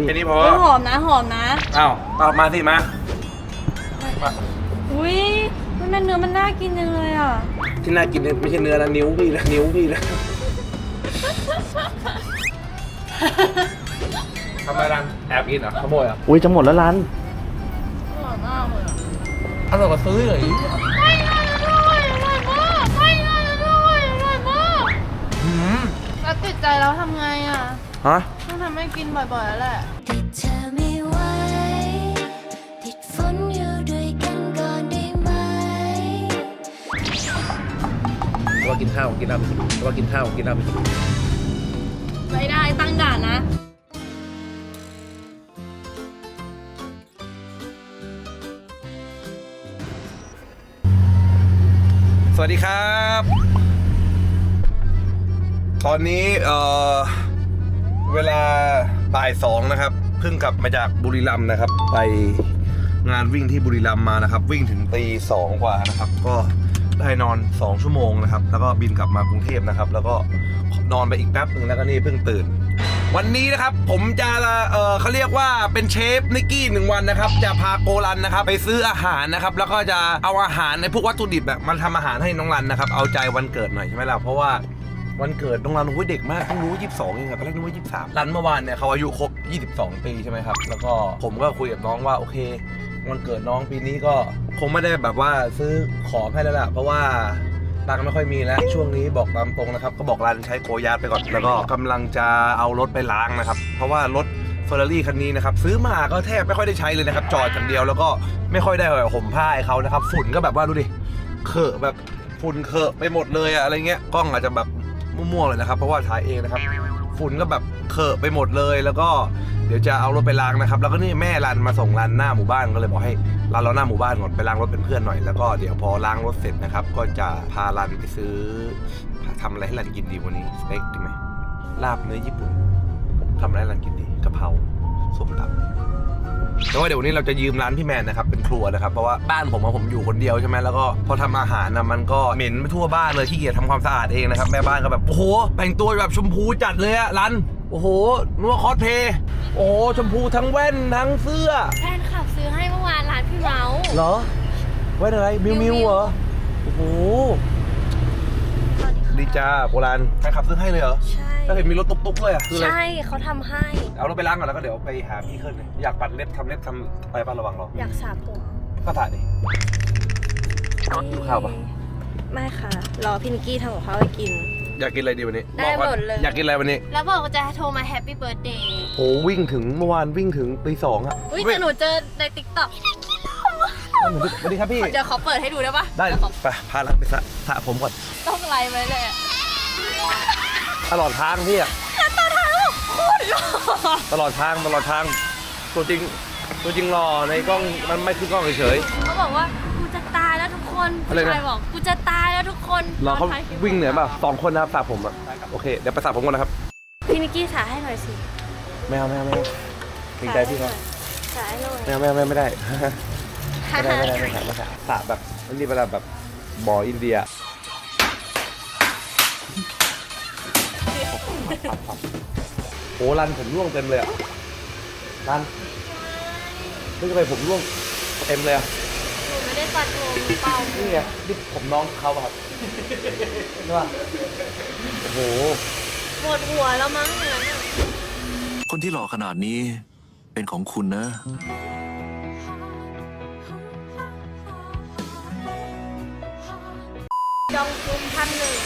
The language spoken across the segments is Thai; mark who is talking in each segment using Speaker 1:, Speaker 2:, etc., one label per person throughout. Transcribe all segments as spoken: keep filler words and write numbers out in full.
Speaker 1: แค่นี้พอ
Speaker 2: หอมนะหอมนะ
Speaker 1: อ้าวเอามาสิมา
Speaker 2: อุ้ยมันเนื้อมันน่ากินจังเลยอ่ะ
Speaker 1: ที่น่ากินไม่ใช่เนื้อนะนิ้วพี่นะนิ้วพี่นะทำไมรันแอบกินเหรอขโมยเหรออุ้ยจะหมดแล้วรัน
Speaker 2: อร่อยมากเลย
Speaker 1: อร่อยกว่าซื้อเลย
Speaker 2: ไม่อร่อยอร่อยมากไม่อร่อยอร่อยมากแล้วติดใจแล้วทำไงอ่ะ
Speaker 1: ฮะ
Speaker 2: ต้องทำให้กินบ่อยๆแล้วแหละ
Speaker 3: เธอไม่ไหวติดฝนอยู่ด้วยกันก่อนได้ไหม
Speaker 1: ว่ากินข้าวกินน้ำว่ากินข้าวกินน้ำ
Speaker 2: ไม่ได้ตั้งด่านนะ
Speaker 1: สวัสดีครับตอนนี้เอ่อเวลาบ่ายสองนะครับเพิ่งกลับมาจากบุรีรัมย์นะครับไปงานวิ่งที่บุรีรัมย์มานะครับวิ่งถึงตีสองกว่านะครับก็ได้นอนสองชั่วโมงนะครับแล้วก็บินกลับมากรุงเทพนะครับแล้วก็นอนไปอีกแป๊บหนึ่งแล้วก็นี่เพิ่งตื่นวันนี้นะครับผมจะเออเขาเรียกว่าเป็นเชฟนิกกี้หนึ่งวันนะครับจะพาโกรันนะครับไปซื้ออาหารนะครับแล้วก็จะเอาอาหารในพวกวัตถุดิบแบบมันทำอาหารให้น้องรันนะครับเอาใจวันเกิดหน่อยใช่ไหมล่ะเพราะว่าวันเกิดน้องรันโอ้ยเด็กมากเพิ่งรู้ยี่สิบสองเองอะตอนแรกนึกว่ายี่สิบสามรันเมื่อวานเนี่ยเขาอายุครบยี่สิบสองปีใช่ไหมครับแล้วก็ผมก็คุยกับน้องว่าโอเควันเกิดน้องปีนี้ก็คงไม่ได้แบบว่าซื้อของให้แล้วล่ะเพราะว่าตังค์ไม่ค่อยมีแล้วช่วงนี้บอกตามตรงนะครับก็บอกรันใช้โกยาร์ดไปก่อนแล้วก็กำลังจะเอารถไปล้างนะครับเพราะว่ารถเฟอร์รารี่คันนี้นะครับซื้อมาก็แทบไม่ค่อยได้ใช้เลยนะครับจอดอย่างเดียวแล้วก็ไม่ค่อยได้ห่มผ้าให้เขานะครับฝุ่นก็แบบว่าดูดิเคอะแบบฝุ่นเคอะไปหมดเลยอะอะไรเงี้ยกล้องอาจจะแบบมั่วๆเลยนะครับเพราะว่าถ่ายเองนะครับฝุ่นก็แบบเคอะไปหมดเลยแล้วก็เดี๋ยวจะเอารถไปล้างนะครับแล้วก็นี่แม่รันมาส่งรันหน้าหมู่บ้านก็เลยบอกให้รันรอหน้าหมู่บ้านก่อนไปล้างรถเป็นเพื่อนหน่อยแล้วก็เดี๋ยวพอล้างรถเสร็จนะครับก็จะพารันไปซื้อทำอะไรให้รันกินดีวันนี้สเต็กดีไหมลาบเนื้อญี่ปุ่นทำอะไรให้รันกินดีกะเพราส้มตำแต่ว่าเดี๋ยววันนี้เราจะยืมร้านพี่แมนนะครับเป็นครัวนะครับเพราะว่าบ้านผมผมอยู่คนเดียวใช่ไหมแล้วก็พอทำอาหารนะมันก็เหม็นไปทั่วบ้านเลยขี้เกียจทำความสะอาดเองนะครับแม่บ้านก็แบบโอ้โหแต่งตัวแบบชมพูจัดเลยอะรันโอ้โหนัวคอสเพย์โอ้โหชมพูทั้งแว่นทั้งเสื้อ
Speaker 2: แฟนขับซื้อให้เมื่อวานร้านพี่เมาส์
Speaker 1: เหรอแว่นอะไรมิวมิวเหรอโอ้โหดีจ้าโบราณใครขับซื้อให้เลยเหรอ
Speaker 2: ใช่
Speaker 1: แล้วเห็นมีรถตุ๊กๆเลยอ่ะ
Speaker 2: ใช่เขาทำให้
Speaker 1: เอารถไปล้างก่อนแล้วก็เดี๋ยวไปหาพี่ขึ้นเลยอยากปัดเล็บทำเล็บทำไปบ้านระวังเรา
Speaker 2: อยากสระผม
Speaker 1: ก็ถ่ายดิกินข้าวปะ
Speaker 2: ไม่ค่ะรอพี่นิกกี้ทำกับข้าวให้กิน
Speaker 1: อยากกินอะไรดีวันนี้
Speaker 2: ได้หมดเลย
Speaker 1: อยากกินอะไรวันนี้
Speaker 2: แล้วบอกว่าจะโทรมาแฮปปี้เบิร์ธเดย์
Speaker 1: โหวิ่งถึงเมื่อวานวิ่งถึงตีสองอ่ะ
Speaker 2: อุ้ยแต่หนูเจอในติ๊กต็อก
Speaker 1: สวัสดีครับพี่
Speaker 2: เดี๋ยวขอเปิดให้ดูได้ปะ
Speaker 1: ได้ไปพาลังไปสระสระผมก่อน
Speaker 2: ต้องไล่ไว้เลย
Speaker 1: ตลอดทางพี่อะ
Speaker 2: ตลอดทางโคตรหล่อ
Speaker 1: ตลอดทางตลอดทางตัวจริงตัวจริงหล่อในกล้องมันไม่คือกล้องเฉย
Speaker 2: ๆเขาบอกว่ากูจะตายแล้วทุกคนผู้ชายบอกกูจะตายแล้วทุกคน
Speaker 1: รอเขาวิ่งเหนื่อยป่ะสองคนนะครับสระผมอะโอเคเดี๋ยวไปสระผมก่อนนะครับ
Speaker 2: พี่นิกกี้สระให้หน่อยสิ
Speaker 1: ไม่เอาไม่เอาไม่เอาเกรงใจพี่เขา
Speaker 2: สระให้หน่อย
Speaker 1: ไม่เอาไม่เอาไม่ได้ไม่ได้ไม่ได้ไม่ได้ไม่ได้สระแบบนี่เป็นแบบบ่ออินเดียโอ้รันผมร่วงเต็มเลยอ่ะรันไม่ใช่ไปผมร่วงเต็มเลยอ่ะ
Speaker 2: ผมไม่ได้ตัดผมเปล่า
Speaker 1: นี่ไงนี่ผมน้องเขาครับใช่ป่ะโอ้โห
Speaker 2: ปวดหัวแล้วมั้งเนี่ย
Speaker 4: คนที่หล่อขนาดนี้เป็นของคุณนะ
Speaker 2: จองจุ้มพันหนึ่ง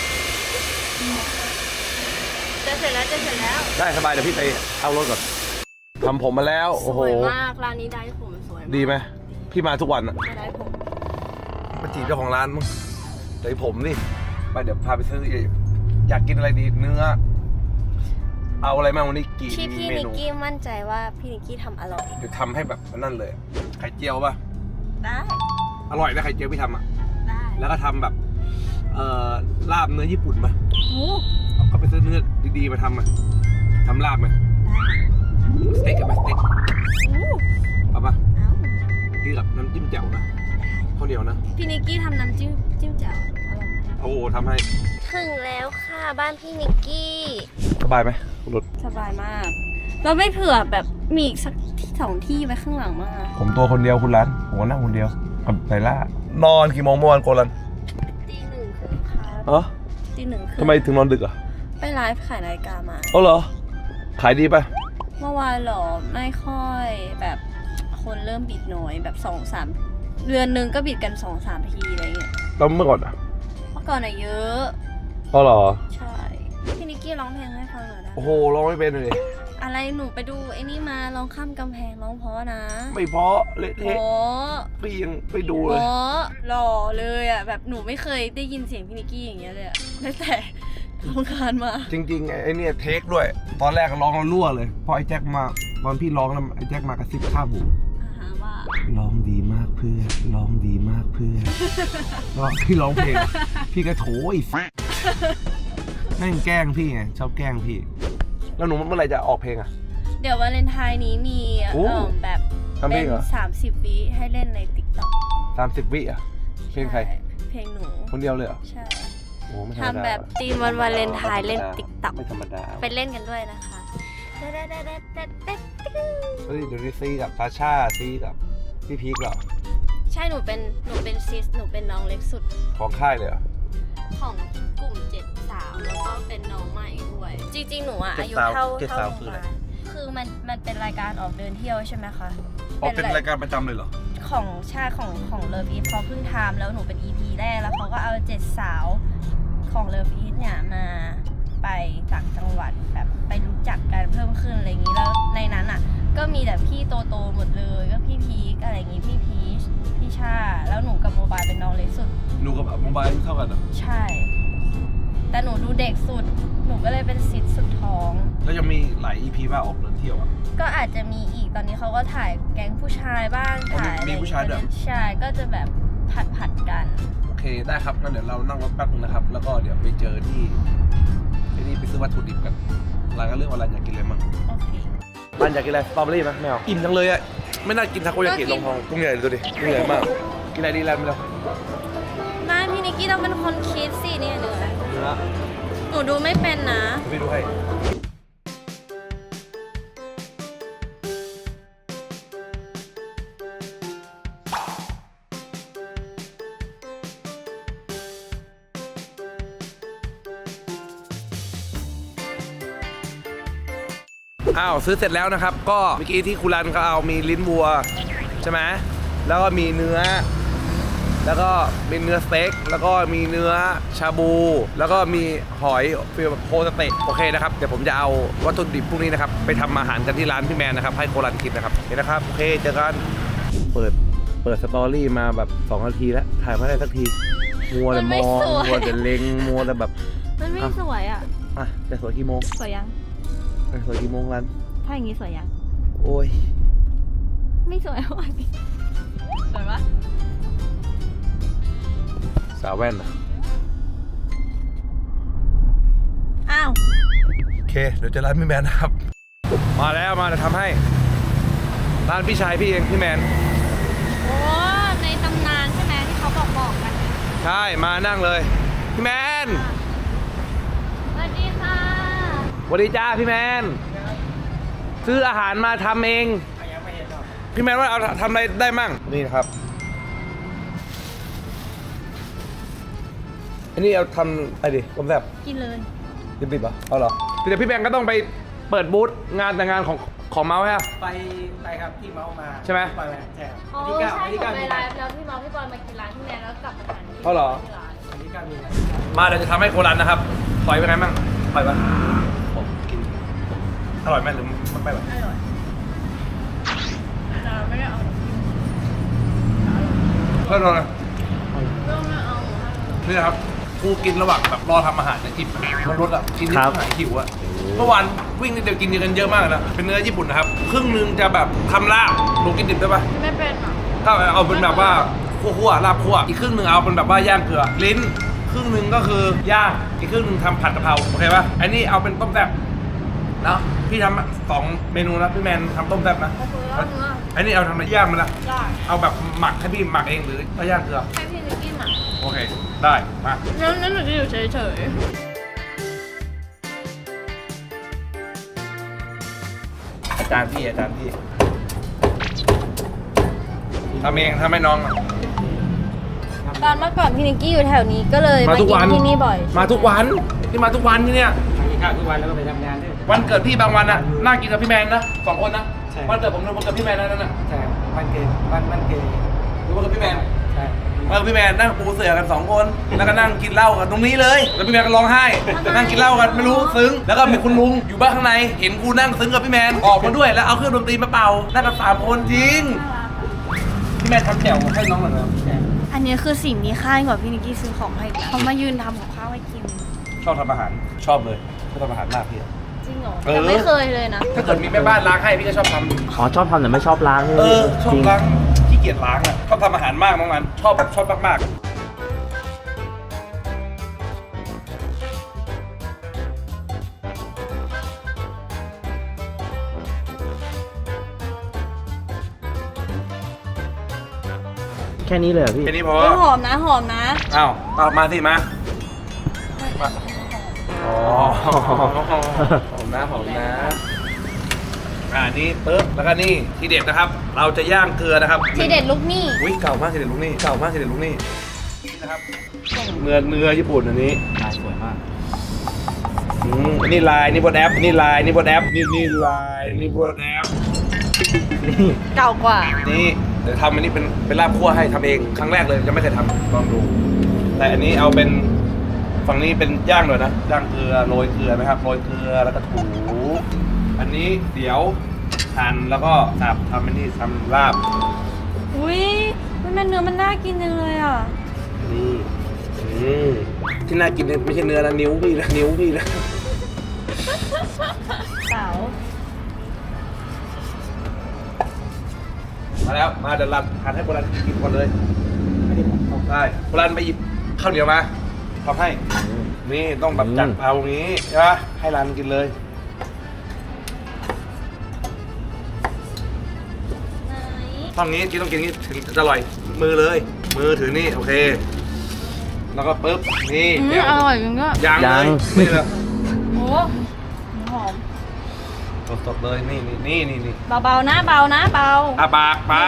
Speaker 2: จะเสร็จแล้วจะเสร็จแล้ว
Speaker 1: ได้สบายเดี๋ยวพี่ไปเอารถก่อนทำผมมาแล้วโอ้โห
Speaker 2: สวยมากร้านนี้ได้ผมสวย
Speaker 1: ดีไหมพี่มาทุกวันอะ
Speaker 2: ได้ผม
Speaker 1: มาจีบเจ้าของร้านมั้งได้ผมนี่ไปเดี๋ยวพาไปซื้ออยากกินอะไรดีเนื้อเอาอะไรมาวันนี้กี่
Speaker 2: ที่พี่นิกกี้มั่นใจว่าพี่นิกกี้ทำอร่อย
Speaker 1: เดี๋ยวทำให้แบบนั่นเลยไข่เจียวป่ะ
Speaker 2: ได้
Speaker 1: อร่อยนะไข่เจียวพี่ทำอ่ะ
Speaker 2: ได้
Speaker 1: แล้วก็ทำแบบเอ่อลาบเนื้อญี่ปุ่นมา
Speaker 2: โอ้
Speaker 1: เอาก็ไปซื้อเนื้อดีๆมาทำมาทำลาบมาสเต็กกับสเต็กเอาป่ะกินกับน้ำจิ้มแจ่วนะข้าวเหนียวนะ
Speaker 2: พี่นิกกี้ทำน้ำจิ้มจิ้มแจ่วอร่อย
Speaker 1: โอ้ทำให้
Speaker 2: ถึงแล้วค่ะบ้านพี่นิกกี้
Speaker 1: สบายไหมรถ
Speaker 2: สบายมาก
Speaker 5: เราไม่เผื่อแบบมีอีกสักที่สองที่ไว้ข้างหลังมั้งอะ
Speaker 1: ผมตัวคนเดียวคุณรันผมก็นั่งคนเดียวกับไนล่านอนกี่โมงเมื่อวานโกลัน
Speaker 5: ตีหนึ่งครึ่งค่ะ
Speaker 1: เออ
Speaker 5: ตีหนึ่งครึ่ง
Speaker 1: ทำไมถึงนอนดึกอ่ะ
Speaker 5: ไปไลฟ์ขายนาฬิกามา
Speaker 1: อ๋อเหรอขายดีป่ะ
Speaker 5: เมื่อวานเหรอไม่ค่อยแบบคนเริ่มบิดน้อยแบบสองสามเดือนหนึ่งก็บิดกันสองสามทีอะไรเงี้ย
Speaker 1: แล้วเมื่อก่อนอ่ะ
Speaker 5: เมื่อก่อนอะเยอะ
Speaker 1: อ๋อเหรอ
Speaker 5: ใช่พี่นิกกี้ร้องเพลงให้ฟังหน่อยนะ
Speaker 1: โอ้โหร้องไม่เป็นเลย
Speaker 5: อะไรหนูไปดูไอ้นี่มาร้องข้ามกำแพงร้องเพราะนะ
Speaker 1: ไม่เพราะเละ
Speaker 5: โอ้
Speaker 1: เทะพี่ยังไปดู
Speaker 5: โห
Speaker 1: เลย
Speaker 5: หล่อเลยอ่ะแบบหนูไม่เคยได้ยินเสียงพี่นิกกี้อย่างเงี้ยเลยอะตั้งแต่ทำงานมา
Speaker 1: จริงๆไอ้เนี่ยเทคด้วย ตอนแรกร้องแล้วรั่วเลยพอไอ้แจ็คมาตอนพี่ร้องแล้วไอ้แจ็คมากระซิบข้างหู
Speaker 5: อาหาว่า
Speaker 1: ร้องดีมากเพื่อนร้องดีมากเพื่อนร้องพี่ร้องเพลง พี่ก็โถไอ้ แม่งแกล้งพี่ไงชอบแกล้งพี่ แล้วหนูเมื่อไหร่จะออกเพลงอ่ะ
Speaker 5: เดี๋ยววาเลนไทน์นี้มี
Speaker 1: โอ้
Speaker 5: เอ่อแบบ
Speaker 1: ทำเพล
Speaker 5: เป็
Speaker 1: ง
Speaker 5: น
Speaker 1: เหรอ
Speaker 5: สามสิบวิให้เล่นในติ๊กต็อก
Speaker 1: สามสิบวิอ่ะเพลงใคร
Speaker 5: เพลงหนู
Speaker 1: คนเดียวเลยเหรอ
Speaker 5: ใช่
Speaker 1: โอ้ไม่ธรรมดา
Speaker 5: ทำแบบธีมวันวาเลนไทน์เล่นติ๊กต็อก
Speaker 1: ไม่ธรรมดา
Speaker 5: ไปเล่นกันด้วยนะคะ
Speaker 1: เฮ้ยเดี๋ยวนี้ซีกับซาชาซีกับพี่พีคเหรอ
Speaker 5: ใช่หนูเป็นหนูเป็นซิสหนูเป็นน้องเล็กสุด
Speaker 1: ของค่ายเลยเหรอ
Speaker 5: ของกลุ่มเจ็ดสาวแล้วก็เป็นน้องใหม่ด้วย จริงๆ หนูอะ
Speaker 1: เจ็ด
Speaker 5: อายุ
Speaker 1: สาว
Speaker 5: เท่า
Speaker 1: เจ็ด
Speaker 5: เท่า
Speaker 1: สาว
Speaker 5: โรง
Speaker 1: คือ
Speaker 5: พ
Speaker 1: อะไร
Speaker 5: ยาบาลคือมันมันเป็นรายการออกเดินเที่ยวใช่ไหมคะ
Speaker 1: อ๋อเป็นรายการประจำเลยเหรอ
Speaker 5: ของชาของของเลิฟอีทเขาเพิ่งทำแล้วหนูเป็น อี พี แรกแล้วเขาก็เอาเจ็ดสาวของเลิฟอีทเนี่ยมาไปต่างจังหวัดแบบไปรู้จักกันเพิ่มขึ้นอะไรอย่างนี้แล้วในนั้นอ่ะก็มีแต่พี่โตโตๆหมดเลยก็พี่พีคอะไรอย่างงี้พี่พีชพี่ชาแล้วหนูกับโมบายเป็นน้องเล็กสุด
Speaker 1: หนูกับโมบายเท่ากันเหรอ
Speaker 5: ใช่ แต่หนูดูเด็กสุด หนูก็เลยเป็นซิดสุดท้อง
Speaker 1: แล้วยังมีหลาย อี พี บ้าออกเดินเที่ยวอ่ะ
Speaker 5: ก็อาจจะมีอีก ตอนนี้เขาก็ถ่ายแก๊งผู้ชายบ้าง
Speaker 1: อ๋อมี
Speaker 5: ถ่ายอะไร
Speaker 1: มีผู้ชายด้วย
Speaker 5: ใช่ ก็จะแบบผัดผัดๆกัน
Speaker 1: โอเคได้ครับงั้นเดี๋ยวเรานั่งรถแป๊บนึงนะครับ แล้วก็เดี๋ยวไปเจอที่ที่นี่ไปซื้อวัตถุดิบกันร้านก็เรื่องว่าร้านอยากกินอะไรมั่ง
Speaker 5: โอเค
Speaker 1: ร้านอยากกินอะไรสตรอเบอรี่ไหมไม่เอาอิ่มจังเลยอ่ะไม่น่ากินทาโกยากิลงทองกุ้งใหญ่ดูดิกุ้งใหญ่มากกินอะไรดีร้านไปแล้ว
Speaker 5: ไม่พี่นิกกี้ต้องเป็นคนคิดสิเนี่ยเนื้อ
Speaker 1: เนื้อ
Speaker 5: หนูดูไม่เป็นนะ
Speaker 1: ไปดูให้อ้าวซื้อเสร็จแล้วนะครับ ก็เมื่อกี้ที่คุรันเขาเอามีลิ้นวัวใช่ไหมแล้วก็มีเนื้อ แล้วก็มีเนื้อสเต็กแล้วก็มีเนื้อชาบู แล้วก็มีหอยฟิลแบบโคสเต็กโอเคนะครับเดี๋ยวผมจะเอาวัตถุดิบพวกนี้นะครับไปทำอาหารกันที่ร้านพี่แมนนะครับให้โครันกินนะครับเห็นนะครับโอเคเจอกันเปิดเปิดสตอรี่มาแบบสองนาทีแล้วถ่ายไม่ได้สักทีมัวแต่มองมัวแต่เล็งมัวแต่แบบ
Speaker 2: มันไม่สวยอ่ะ
Speaker 1: อ่ะจะสวยกี่โมง
Speaker 2: สวยยัง
Speaker 1: จะสวยกี่โมงรัน
Speaker 2: ถ้าอย่างนี้สวยยัง
Speaker 1: โอ้ย
Speaker 2: ไม่สวยอ่ะสวยปะ
Speaker 1: สาวแว่นอะ
Speaker 5: อ้าว
Speaker 1: โอเคเดี๋ยวเจะร้านพี่แมนนะครับมาแล้วมาจะทำให้ร้านพี่ชายพี่เองพี่แมน
Speaker 2: โอ้ในตำนานใช่ไหมที่เขาบอกบอกกัน
Speaker 1: ใช่มานั่งเลยพี่แมน
Speaker 2: สวัสดีค่ะ
Speaker 1: สวัสดีจ้าพี่แมนซื้ออาหารมาทำเองพี่แมนว่าเอาทำอะไรได้มั่งนี่นะครับอันนี้เอาทำอะไรดิผมแบบ
Speaker 2: กินเลย
Speaker 1: ดิบๆเหรอเอาเหรอเดี๋ยวพี่แมนก็ต้องไปเปิดบูธงานแต่งงานของของเมาส์ใช่ไหม
Speaker 6: ไปไปครับที่เมาส์มา
Speaker 1: ใช่ไหม
Speaker 6: ไปไหมใช่ครับ
Speaker 2: อ๋อ
Speaker 6: วันที่
Speaker 2: ใช่
Speaker 6: เก้าวันที่
Speaker 2: หนู
Speaker 6: เก้า
Speaker 2: ไป
Speaker 6: มี
Speaker 2: ไล
Speaker 6: นา
Speaker 2: ฟ์แล้วพี่น้องพี่บอลมากินร้านที่แมนแล้วกลับมาทานที่
Speaker 1: เอาเหรอ
Speaker 2: ที่ร้าน
Speaker 6: วันที่เก้ามีนา
Speaker 1: มาเดี๋ยวจะทำให้โครันนะครับปล่อยไปไงมั่งปล่อยปะผมกินอร่อยไหมหรือมันไปแบบ
Speaker 2: อร่อยแต่ไม่ได้เอา
Speaker 1: เพื่อนเราเลย
Speaker 2: เรื่องไม่เอา
Speaker 1: นี่นะครับกูกินระหว่างแบบรอทำอาหารเนี่ยอิ่มมันรสอ่ะกินนิดหน่อยหิวอ่ะเมื่อวานวิ่งนิดเดียวกินกันเยอะมากนะเป็นเนื้อญี่ปุ่นนะครับครึ่งหนึงจะแบบทำลาบหนูกินดิบได้ปะ
Speaker 2: ไม่เป็นอ่ะ
Speaker 1: ถ้าเอาเป็นแบบว่าคั่วๆลาบคั่วอีกครึ่งหนึ่งเอาเป็นแบบว่าย่างเกลือลิ้นครึ่งหนึ่งก็คือย่างอีกครึ่งหนึ่งทำผัดกะเพราโอเคปะอันนี้เอาเป็นต้มแซ่บเนาะพี่ทำสองเมนูนะพี่แมนทำต้มแซ่บนะ
Speaker 2: โอเคแล้วเนื้อ
Speaker 1: อันนี้เอาทำอะไรย่างมันละ
Speaker 2: ได้
Speaker 1: เอาแบบหมักให้พี่หมักเองหรือเอาย่างเกลือ
Speaker 2: ให้พี่นิกกี้หมัก
Speaker 1: โอเคได้มา
Speaker 2: งั้นงั้นหนูจะอยู่เฉย
Speaker 1: จานพี่อาจารย์พี่ทำเองทำให้น้อง
Speaker 5: ตอนเมื่อก่อนพี่นิกกี้อยู่แถวนี้ก็เลย
Speaker 1: มา
Speaker 5: มา
Speaker 1: ทุก
Speaker 5: กิ
Speaker 1: วัน
Speaker 5: นที่นี่บ่อย
Speaker 1: มาทุกวันที่มาทุกวันที่เนี่ย
Speaker 6: กินข้าวทุกวันแล้วก็ไปทำงานด้วย
Speaker 1: วันเกิดพี่บางวันอะนั่งกินกับพี่แมนนะสองคนนะ
Speaker 6: ใช่
Speaker 1: วันเกิดผมวันเกิดพี่แมนนั่นน่ะ
Speaker 6: ใช่มันเกย์มันมันเกย์
Speaker 1: หรือวันเกิดพี่แมน
Speaker 6: ใช่
Speaker 1: วันเกิดพี่แมนนั่งปูเสือกันสองคนแล้วก็นั่งกินเหล้ากันตรงนี้เลยแล้วพี่แมนก็ร้องไห้นั่งกินเหล้ากันไม่รู้ซึ้งแล้วก็มีคุณลุงอยู่บ้านข้างในเห็นกูนั่งซึ้งกับพี่แมนออกมาด้วยแล้วเอาเครื่องดนตรีมาเป่านั่งกันสามคนจริงพี่แมนทำแจ่วให้น้องหน่อยนะ
Speaker 5: อันนี้คือสิ่งมีค่ากว่าพี่นิกกี้ซื้อของให้อีกแล้วเขามายืนทำของข้าวให้กิน
Speaker 1: ชอบทำอาหารชอบเลยชอบทำอาหารมากพี่
Speaker 5: จริงเหรอ
Speaker 1: เออ
Speaker 5: แต่ไม่เคยเลยนะ
Speaker 1: ถ้าเกิดมีแม่บ้านล้างให้พี่ก็ชอบทำ
Speaker 7: อ๋อชอบทำแต่ไม่ชอบล้าง
Speaker 1: เออชอบ
Speaker 7: จริง
Speaker 1: ล้างขี้เกียจล้างอ่ะชอบทำอาหารมากน้องมันชอบแบบชอบมากๆ
Speaker 7: แค่นี้เลยเหรอพี่
Speaker 1: แค่นี้พอ
Speaker 5: เฮ้ยหอมนะหอมนะ
Speaker 1: อ้าวเอามาสิมามาอ๋อหอมนะหอมนะอ่านี่ปึ๊บแล้วก็นี่ทีเด็ดนะครับ เราจะย่างเกลือนะครับ
Speaker 5: ทีเด็ดลูกนี่
Speaker 1: อุ้ยเก่ามากทีเด็ดลูกนี่เก่ามากทีเด็ดลูกนี่นี่นะครับเนื้อเนื้อญี่ปุ่นอันนี้
Speaker 7: ลายสวยมาก
Speaker 1: อืมอันนี่ลายนี่บนแอปนี่ลายนี่บนแอปนี่นี่ลายนี่บนแอป
Speaker 5: เก่ากว่า
Speaker 1: นี่เดี๋ยวทำอันนี้เป็นเป็นลาบคั่วให้ทำเองครั้งแรกเลยยังไม่เคยทำลองดู แต่อันนี้เอาเป็นฝั่งนี้เป็นย่างหน่อยนะย่างเกลือโรยเกลือนะครับโรยเกลือแล้วก็ถูอันนี้เดี๋ยวหั่นแล้วก็สับทำอันนี้ทำลาบ
Speaker 5: อุ้ยมันเนื้อมันน่ากินจังเลยอ่ะ
Speaker 1: นี่อืมที่น่ากินเนี่ยไม่ใช่เนื้อนะนิ้วพี่นะนิ้วพี่นะ
Speaker 5: เต๋า
Speaker 1: มาแล้วมาเดี๋ยวรันหั่นให้โบราณกินก่อนเลยได้โบราณไปหยิบข้าวเหนียวมาทำให้นี่ต้องแบบจัดเอาอย่างนี้ใช่ปะให้รันกินเลย ฝั่งนี้กินต้องกินอย่างนี้ถึงจะอร่อยมือเลย มือถือนี่โอเค แล้วก็ปึ๊บนี่
Speaker 2: อืม
Speaker 1: เดี๋ยว
Speaker 2: อร่อยจริงก็
Speaker 1: ยัง
Speaker 7: ยั
Speaker 1: เล
Speaker 7: ง
Speaker 1: ยนี่เลย
Speaker 5: โอ้หอม
Speaker 1: สดๆเลยนี่นี่นี่นี่นี่
Speaker 5: เบาๆนะเบานะเบา
Speaker 1: อาปากไป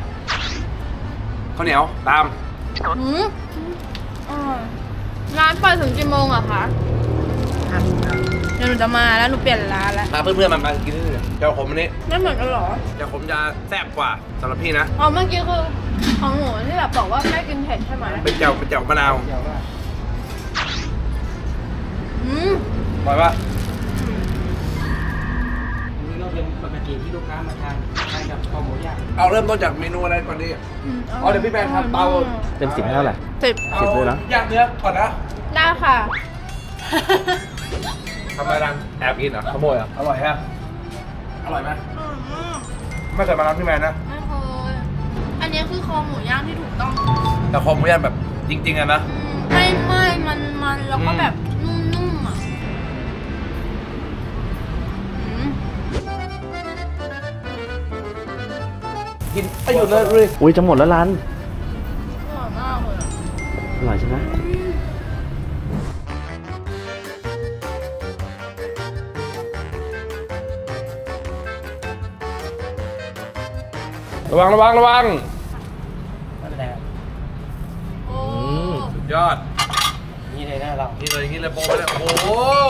Speaker 1: ข้าวเหนียวตาม
Speaker 2: อืมอร่อยร้านเปิดถึงกี่โมงอะคะเดี๋ยวหนูจะมาแล้วหนูเปลี่ยนร้านแล้ว
Speaker 1: พาเพื่อนๆมันมากินนี่เลยเจ้าขมอันนี้
Speaker 2: ไม่เหมือนกันเหรอ
Speaker 1: เจ้าขมจะแซ่บกว่าสำหรับพี่นะ
Speaker 2: อ๋อเมื่อกี้คือของหนูที่แบบบอกว่าไม่กินเผ็ดใช่ไหม
Speaker 1: เป็นเจ้าเป็นเจ้ามะนาว
Speaker 6: เดี๋ยวว่า
Speaker 2: อืม
Speaker 1: อร่อยปะ
Speaker 6: อันนี้ก็เป็นปกติที่ลูกค้ามาทานทานกับข้าวหมูย่าง
Speaker 1: เอาเริ่มต้นจากเมนูอะไรก่อนดีอ๋อเดี๋ยวพี่แมนทำเตา
Speaker 7: เต็มสิบให้เท่าไหร่
Speaker 2: สิบ
Speaker 1: เอา
Speaker 7: สิบเลยนะ
Speaker 1: ย่างเนื้อก่อนนะ
Speaker 2: ได้ค่ะ
Speaker 1: ทำอะไรรันแอบกินเหรอขโมยเหรออร่อยฮะอร่อยไหมไม่เคยมาร้านพี่แมนนะ
Speaker 2: ไม่เคยอันนี้คือคอหมูย่างที่ถูกต้อง
Speaker 1: แต่คอหมูย่างแบบจริงๆอะนะ
Speaker 2: ไม่ไม่มันมันแล้วก็แบบนุ่มๆอ่ะอืม
Speaker 1: กินไม่หยุดเลยเลย
Speaker 7: อุ้ยจะหมดแล้วร้าน
Speaker 2: อร่อยมากเลยอะ
Speaker 7: อร่อยใช่ไหม
Speaker 1: ระวังระวังระวัง
Speaker 6: ไม่เป็นไรครับ
Speaker 2: โอ้
Speaker 1: สุดยอด
Speaker 6: นี่เลยนะเรา
Speaker 1: นี่เลยนี่เลยโปรไปเลยโอ้โห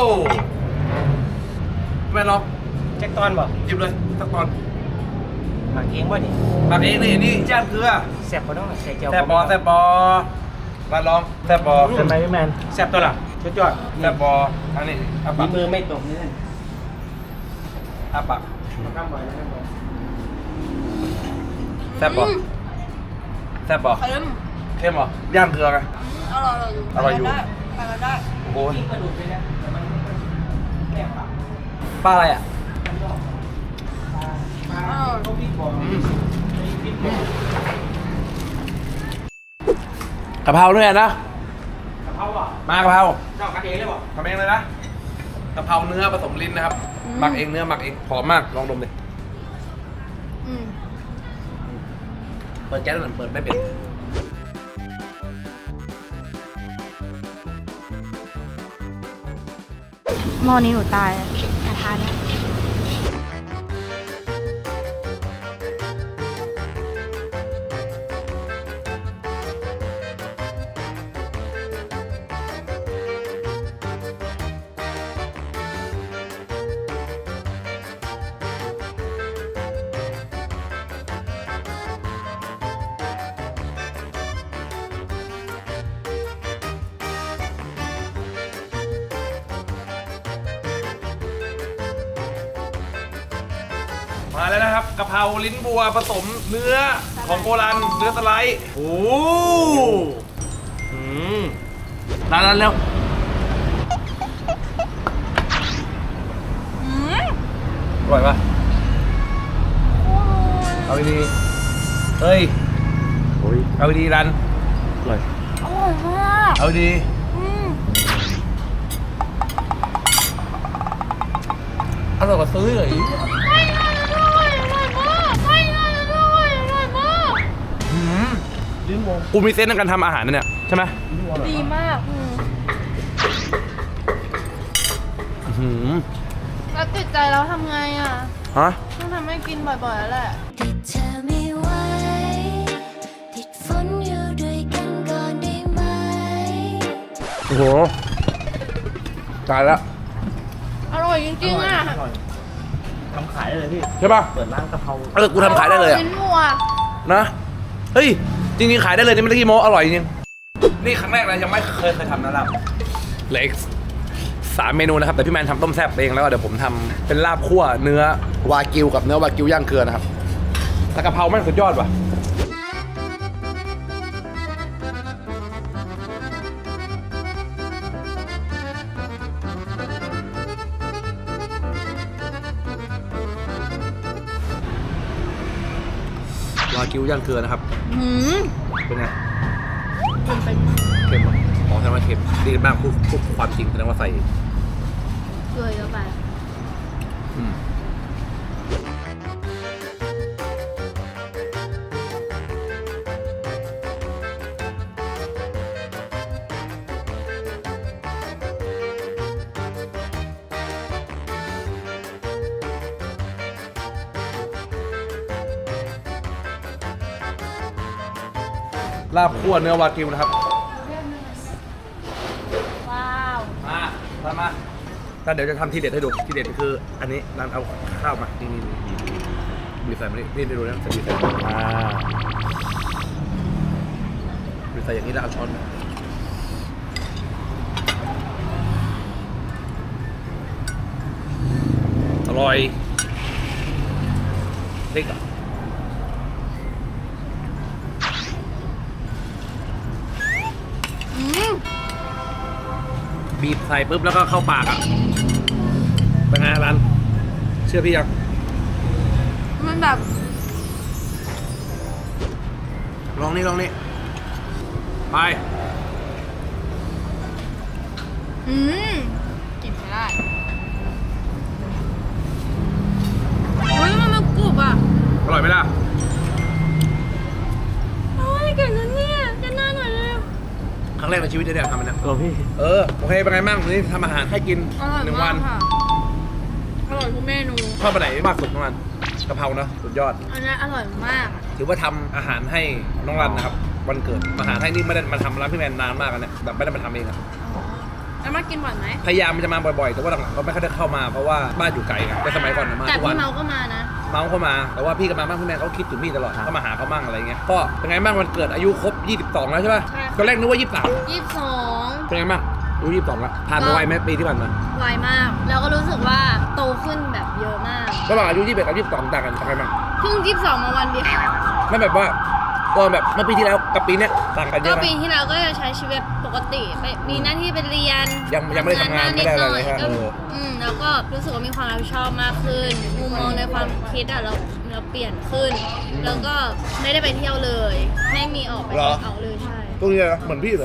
Speaker 1: แม่ลอง
Speaker 6: แจ็คตอนบอก
Speaker 1: หยิบเลยสักตอน
Speaker 6: หมักเองว่านี่
Speaker 1: หมักเองนี่นี่ย่างเกลือ
Speaker 6: แซ่บก็ต้องใส่เจียว
Speaker 1: แซ่บบอแซ่บบอมาลองแซ่บบอ
Speaker 7: ใช่ไหมพี่แมน
Speaker 6: แซ่บตัวละชุดยอด
Speaker 1: แซ่บบออันนี้อา
Speaker 6: มี
Speaker 1: ปาก
Speaker 6: มือไม่ตกนี่
Speaker 1: อาปาก
Speaker 6: มาข้ามบ่อยนะครับบ่อย
Speaker 1: แซ่บบอแซ่บบอ
Speaker 2: เค็ม
Speaker 1: เข้มเหรอย่างเกลือไง
Speaker 2: อร่อยเลย
Speaker 1: อร่อยอยู่
Speaker 2: ได้ไปกันได้
Speaker 1: โอ้ย
Speaker 6: กระดูกเลยนะแต่มันแซ่บปาก
Speaker 1: ปลาอะไรอ่ะ
Speaker 6: ปลาเขาพริกบอก
Speaker 1: อืม
Speaker 6: พริกบอก
Speaker 1: กะเพราด้วยนะ
Speaker 6: กะเพราอ่ะ
Speaker 1: มากะเพรา
Speaker 6: เจ้ากันเองเลยบอก
Speaker 1: ทำเองเลยนะกะเพราเนื้อผสมลิ้นนะครับหมักเองเนื้อหมักเองหอมมากลองดมดิ
Speaker 2: อืม
Speaker 1: เปิดแก๊สหน่อยเปิดไม่เป็น
Speaker 5: หม้อนี้หนูตายกระทะเนี่ย
Speaker 1: มาแล้วนะครับกะเพราลิ้นบัวผสมเนื้อของโบราณเนื้อสไลด์โอ้อืมร้านนั้นแล้ว
Speaker 2: อืม
Speaker 1: อร่อยปะเอาดีๆเฮ้ย
Speaker 7: โอ้ย
Speaker 1: เอาดีๆรัน
Speaker 7: อร่อย
Speaker 2: อร่อยมาก
Speaker 1: เอาดี
Speaker 2: อืม
Speaker 1: อร่อยกว่าซื้อเลย
Speaker 2: ไม่น่าจะด้วยอร่อยมากไม่น่าจะด้วยอร่อยมาก
Speaker 1: ลิ้นวงกูมีเซนส์ในการทำอาหารนะเนี่ยใช่ไหม
Speaker 2: ดีมากอืม
Speaker 1: อื้อหือ
Speaker 2: แล้วติดใจแล้วทำไงอ่ะ
Speaker 1: ฮะ
Speaker 2: ต้องทำให้กินบ่อยๆแล้วแหละ
Speaker 3: ติดเธอไม่ไหวติดฝนอยู่ด้วยกันก่อนได้ไหม
Speaker 1: โอ้โหตายแล้ว
Speaker 2: อร่อยจริงๆอ่ะ
Speaker 7: อร่อยทำขายได้เลยพี่
Speaker 1: ใช่ป่ะ
Speaker 7: เปิดร้านกะเพรา
Speaker 1: เออกูทำขายได้เลยอะ
Speaker 2: ลิ้นวัว
Speaker 1: นะเฮ้ยจริงๆขายได้เลยนี่ไม่ได้กี่โมอร่อยจริงนี่ครั้งแรกเลยยังไม่เคยเคยทำนะลาบเหล็กสามเมนูนะครับแต่พี่แมนทำต้มแซ่บเองแล้วก็เดี๋ยวผมทำเป็นลาบคั่วเนื้อวากิวกับเนื้อวากิวย่างเกลือนะครับแต่กะเพราแม่งสุดยอดว่ะวากิวย่างเกลือนะครับ
Speaker 2: หืม
Speaker 1: เป็นไง
Speaker 2: มันเป็น
Speaker 1: เค็มเหรออ๋อแสดงว่าเค็มดีมากพูดพูดความจริงแสดงว่าใส่
Speaker 2: เกลือเยอะไป
Speaker 1: อืมลาบคั่วเนื้อวากิวนะครับ
Speaker 2: ว้าว
Speaker 1: มาตามมาแต่เดี๋ยวจะทำทีเด็ดให้ดู ทีเด็ดคืออันนี้ร้านเอาข้าวมา นี่นี่นี่บีบใส่มานี่นี่ดูนะใส่บีบใส่
Speaker 7: อ่า
Speaker 1: บีบใส่อย่างนี้แล้วเอาช้อนมาอร่อยเล็กอ่ะบีบใส่ปุ๊บแล้วก็เข้าปากอ่ะเป็นไงรันเชื่อพี่ยัง
Speaker 2: มันแบบ
Speaker 1: ลองนี่ลองนี่ไป
Speaker 2: อืมกินไม่ได้เฮ้ยมันมันกรุบอ่ะ
Speaker 1: อร่อยไหมล่ะ
Speaker 2: โอ้ยเก่งนะเนี่ยจะน่าหน่อยเลย
Speaker 1: ครั้งแรกในชีวิตที่ได้ทำมันนะ
Speaker 7: เออพี่
Speaker 1: เออโอเคเป็นไงบ้างวันนี้ทำอาหารให้กิน
Speaker 2: อร่อย
Speaker 1: หนึ่ง
Speaker 2: มา
Speaker 1: วั
Speaker 2: ก
Speaker 1: น
Speaker 2: ค่ะอร่อยทุกเมนู
Speaker 1: ชอบไปไหนมากสุดน้องรันกะเพรานะสุดยอด
Speaker 2: อันนี้อร่อยมาก
Speaker 1: ถือว่าทำอาหารให้น้องรันนะครับวันเกิดอาหารให้นี่ไม่ได้มาทำร้านพี่แมนนานมากแล้วเนี่ยแบบไม่ได้มาทำเองอะ
Speaker 2: แล้วมากินบ่อยไหม
Speaker 1: พยายามมันจะมาบ่อยๆ แต่ว่าหลังๆก็ไม่ค่อยได้เข้ามาเพราะว่าบ้านอยู่ไกลไงแต่สมัยก่อนน่ะมา
Speaker 2: แต่
Speaker 1: ทุกวั
Speaker 2: พี่
Speaker 1: น
Speaker 2: เมาก็มานะ
Speaker 1: เมาเข้ามาแต่ว่าพี่กับมาบ้านพี่แมนเขาคิดถึงพี่ตลอด
Speaker 7: ครับ
Speaker 1: ก็มาหาเขามั่งอะไรเงี้ยก็เป็นไงบ้างวันเกิดอายุครบยี่สิบสองแล้วใช่ป่ะ
Speaker 2: ใช่
Speaker 1: ตอนแรกนึกว่ายี่สิบสาม
Speaker 2: ยี่สิบสอง
Speaker 1: เป็นไงบ้างอายุยี่สิบสองแล้วผ่านมาไวไหมปีที่ผ่านมา
Speaker 2: ไวมาก แล้วก็รู้สึกว่าโตขึ้นแบบเยอะมาก
Speaker 1: ระหว่างอายุยี่สิบเอ็ดกับยี่สิบสองต่างกันต่างกันบ้าง
Speaker 2: เพิ่งยี่สิบสองมาวันเดียว
Speaker 1: ไม่แบบว่าตอนแบบเมื่อปีที่แล้วกับปีเนี้ยต่างกันเย
Speaker 2: ก็
Speaker 1: อะไหม
Speaker 2: ปีที่แล้วก็จะใช้ชีวิตปกติไปมีหน้าที่ไปเรียน
Speaker 1: ยังยังไม่ได้ทำงาน
Speaker 2: บ้
Speaker 1: ไม่ได้อะไรเลย
Speaker 2: นิ
Speaker 1: ฮะ
Speaker 2: หน่อย
Speaker 1: เออ
Speaker 2: ก็อืมแล้วก็รู้สึกว่ามีความรับผิดชอบมากขึ้น มุมมองในความคิดอ่ะเราเราเปลี่ยนขึ้น แล้วก็ไม่ได้ไปเที่ยวเลย ไม่มีออกไปออกเลยใช่
Speaker 1: ตรงนี้นะเหมือนพี่เลย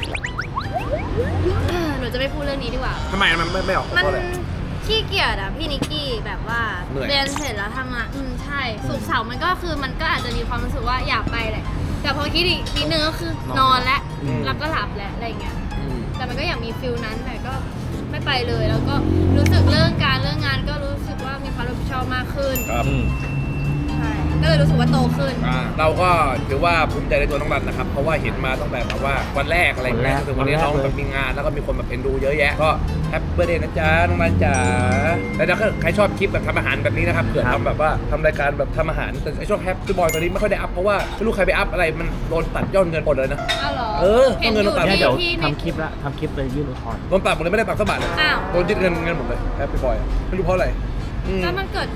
Speaker 2: หนูจะไม่พูดเรื่องนี้ดีกว่า
Speaker 1: ทำไมมันไม่ไม่ออกเพ
Speaker 2: มัน
Speaker 1: ราะอะไร
Speaker 2: ขี้เกียจอะพี่นิกกี้แบบว่า
Speaker 1: เหนื่อย
Speaker 2: เรียนเสร็จแล้วทำงานอืมใช่สุกร์เสาร์มันก็คือมันก็อาจจะมีความรู้สึกว่าอยากไปแหละแต่พอคิดอีกนิดนึงก็คือนอนแล้วแล้วก็หลับแล้วอะไรเงี้ย
Speaker 1: อืม
Speaker 2: แต่มันก็อยากมีฟิลนั้นแต่ก็ไม่ไปเลย แล้วก็รู้สึกเรื่องการเรื่องงานก็รู้สึกว่ามีความรับผิดชอบมากขึ้น
Speaker 1: ครับ
Speaker 2: ใช่ก็เลยรู้สึกว่าโตขึ้น
Speaker 1: อ่าเราก็ถือว่าภูมิใจในตัวน้องรันนะครับ เพราะว่าเห็นมาตั้งแต่แบบว่าวันแรกอะไรอย่างเงี้ย
Speaker 7: วันแรก
Speaker 1: ถึงวันนี้
Speaker 7: วันแรก
Speaker 1: น้อง
Speaker 7: เลย
Speaker 1: แบบมีงานแล้วก็มีคนแบบเอ็นดูเยอะแยะ ก็แฮปปี้เบอร์เดย์นะจ๊ะน้องรันจ๋าแล้วถ้าใครชอบคลิปแบบทำอาหารแบบนี้นะครับเผื่อทำแบบว่าทำรายการแบบทำอาหารแต่ไอช่วงแฮปปี้บอยตอนนี้ไม่ค่อยได้อัพเพราะว่าไม่รู้ใครไปอัพอะไรมันโดนตัดยอดเงินหมดเลยนะ
Speaker 2: อ้าวเหรอ
Speaker 1: เออ
Speaker 2: เห็น
Speaker 1: ต้องเงิน
Speaker 2: อยู่
Speaker 1: ต้องตัด
Speaker 7: เนี่ย
Speaker 2: ที่
Speaker 7: เดี๋ยว
Speaker 2: ที่ใน
Speaker 7: ทำคลิปละทำคลิปเลยยื่นอุทธรณ์
Speaker 1: โดนตัดหมดเลยไม่ได้ตัดสักบาทเลย
Speaker 2: อ้าว
Speaker 1: โดนยึดเงินเงินหมดเลยแฮปปี้บอยไม่รู้เพราะอะไรอืม
Speaker 2: แล้วมันเกิด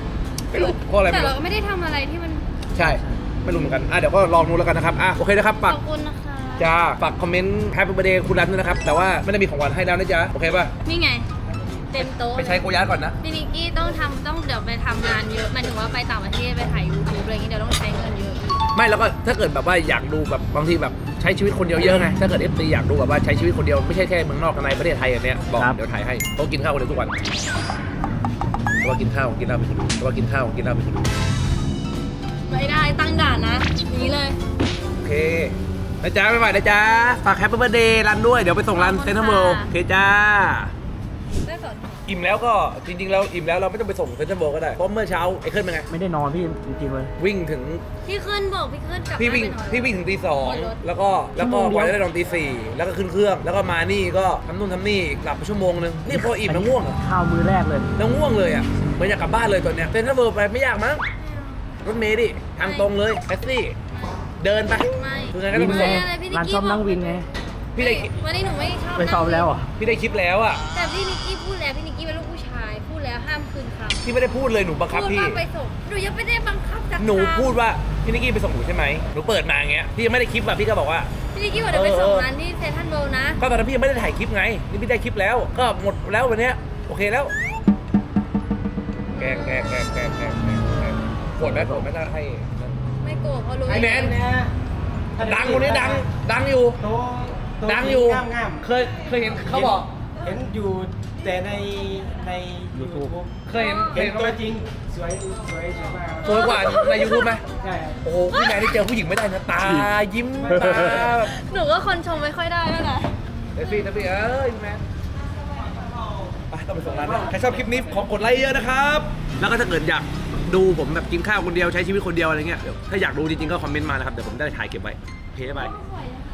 Speaker 1: ไม่รู้เพราะอะไร
Speaker 2: แต่
Speaker 1: ไม่
Speaker 2: เรา
Speaker 1: รู้
Speaker 2: ก็ไม่ได้ทำอะไรที่มัน
Speaker 1: ใช่ไม่รู้เหมือนกันอ่ะเดี๋ยวก็ลองดูแล้วกันนะครับอ่ะโอเคนะครับ
Speaker 2: ข
Speaker 1: ฝาก
Speaker 2: อบคุณนะคะ
Speaker 1: จ้าฝากคอมเมนต์แฮปปี้เบอร์เดย์คุณรันด้วยนะครับแต่ว่าไม่ได้มีของขวัญให้แล้วนะจ๊ะโอเคป่ะ
Speaker 2: นี่ไง เต็มโต๊ะ
Speaker 1: ไปใช้โกยาก่อนนะ
Speaker 2: พี่นิกกี้ต้องทำต้องเดี๋ยวไปทำงานเยอะหมายถึงว่าไปต่างประเทศไปถ่ายยูทูบอะไรอย่างงี้เดี๋ยวต้องใช้เงินเยอะอีก
Speaker 1: ไม่แล้วก็ถ้าเกิดแบบว่าอยากดูแบบบางทีแบบใช้ชีวิตคนเดียวเยอะไงถ้าเกิดเอฟซีอยากดูแบบว่าใช้ชีวิตคนเดียวไม่ใช่แค่เมืองนอกกับในประเทศไทยอันเนี้ยบอกเดี๋ยวถ่ายให้เขากินข้าวคนเดียวทุกวันแต่ว่ากินข้าวกินเหล้าไปทีแต่ว่ากินข้าวกินเหล้าไปที
Speaker 2: ไม่ได้ตั้งด่านนะอย่างนี้เลย
Speaker 1: โอเคนะจ๊ะบ๊ายบายนะจ๊ะฝากแฮปปี้เบอร์เดย์รันด้วยเดี๋ยวไปส่งรันเซ็นทรัลเวิลด์โอเคจ้า
Speaker 2: ได้สอน
Speaker 1: อิ่มแล้วก็จริงๆแล้วอิ่มแล้วเราไม่ต้องไปส่งเซ็นทรัลเวิลด์ก็ได้เพราะเมื่อเช้าไอ้ขึ้นเป็นไง
Speaker 7: ไม่ได้นอนพี่จริงๆเลย
Speaker 1: วิ่งถึง
Speaker 2: พี่ขึ้นบอกพี่ขึ้นกลับ
Speaker 1: พี่วิ่ง
Speaker 2: บ้านไปนอน
Speaker 1: พี่วิ่งถึงตีสอง
Speaker 2: บนรถ
Speaker 1: แล้วก็แล้วก็
Speaker 7: ชั่วโมงเดี
Speaker 1: ก
Speaker 7: ยว
Speaker 1: ว่าจะได้นอนตีสี่แล้วก็ขึ้นเครื่องแล้วก็มานี่ก็ทำนู่นทำนี่หลับไปชั่วโมงนึงนี่พออิ่มแล้วง่วงอะ
Speaker 7: ข้าวมื้อแรกเลย
Speaker 1: แล้วง่วงเลยอ่ะเหมือนอยากกลับบ้านเลยตอนเนี้ยเซ็นทรัลเวิลด์ไปไม่ยากมั้งรถเมล์ดิทางตรงเลยแท็กซี่เดินไป
Speaker 2: ไม่
Speaker 1: คือไงก็ต้องไป
Speaker 7: วิ
Speaker 1: ส่ง
Speaker 7: ไง
Speaker 2: อะไรพี่นิก
Speaker 7: ร้าน
Speaker 2: กี้
Speaker 7: ชอบนั่งวินไง
Speaker 1: พี่ได้
Speaker 2: วันนี้หนูไม่ชอบ
Speaker 7: ไปซ้อมแล้วเหรอ่ะ
Speaker 1: พี่ได้คลิปแล้วอ่ะ
Speaker 2: แต่พี่นิกกี้พูดแล้วพี่นิกกี้เป็นลูกผู้ชายพูดแล้วห้ามคืนคำ
Speaker 1: พี่ไม่ได้พูดเลยหนูบังคับ
Speaker 2: พูด
Speaker 1: พี่
Speaker 2: ว่าไปส่งหนูยังไม่ได้บังคับจาก
Speaker 1: หนู
Speaker 2: ทาง
Speaker 1: พูดว่าพี่นิกกี้ไปส่งหนูใช่ไหมหนูเปิดมาอย่างเงี้ยพี่ยังไม่ได้คลิปอ่ะพี่ก็บอกว่า
Speaker 2: พี่นิกกี้บอกเดี๋ยวไปส่ง
Speaker 1: เออ
Speaker 2: ร้านที่เซนทรัลเวิลด์นะ
Speaker 1: ก็ตอนนั้นพี่ยังไม่ได้ถ่ายคลิปไงนี่พี่ได้คลิปแล้ว ก็หมดแล้ววันเนี้ยโอเคแล้วแกล้งแกล้งแกล้งแกล้งแกล้งแกล้งแกล้งโกรธไหมโกรธไหมถ้าให้นั่น
Speaker 2: ไม่โกรธเพราะรู้
Speaker 1: ไอ้แมน
Speaker 6: นะ
Speaker 1: ดังคนนี้ดังดังอยู่
Speaker 6: โตโต
Speaker 1: ดังอยู่
Speaker 6: งามงาม
Speaker 1: เคยเคยเห็นเขาบอก
Speaker 6: เห็นอยู่แต่ในใน
Speaker 7: YouTube
Speaker 1: เคยเห็นเคย
Speaker 6: เห็น
Speaker 1: เห็นเขา
Speaker 6: ตั
Speaker 1: ไห
Speaker 6: ว
Speaker 1: ม
Speaker 6: จริงสวยสวยสวยมาก
Speaker 1: สวยกว่าในยูทูบไหม
Speaker 6: ใช่ครับ
Speaker 1: โอ้โหพี่แมนที่เจอผู้หญิงไม่ได้นะตายิ้มตาแบบ
Speaker 2: หนูก็คนชมไม่ค่อยได้แล้วนะ
Speaker 1: เดี๋ยวพี่เดี๋ยวพี่เอ้ยพี่แมนไปต้องไปส่งร้านนะใครชอบคลิปนี้ขอกดไลค์เยอะนะครับ แล้วก็ถ้าเกิดอยากดูผมแบบกินข้าวคนเดียวใช้ชีวิตคนเดียวอะไรเงี้ยเดี๋ยวถ้าอยากดูจริงๆก็คอมเมนต์มานะครับเดี๋ยวผมได้ถ่ายเก็บไว้โอเคบาย
Speaker 2: สวยนะคะ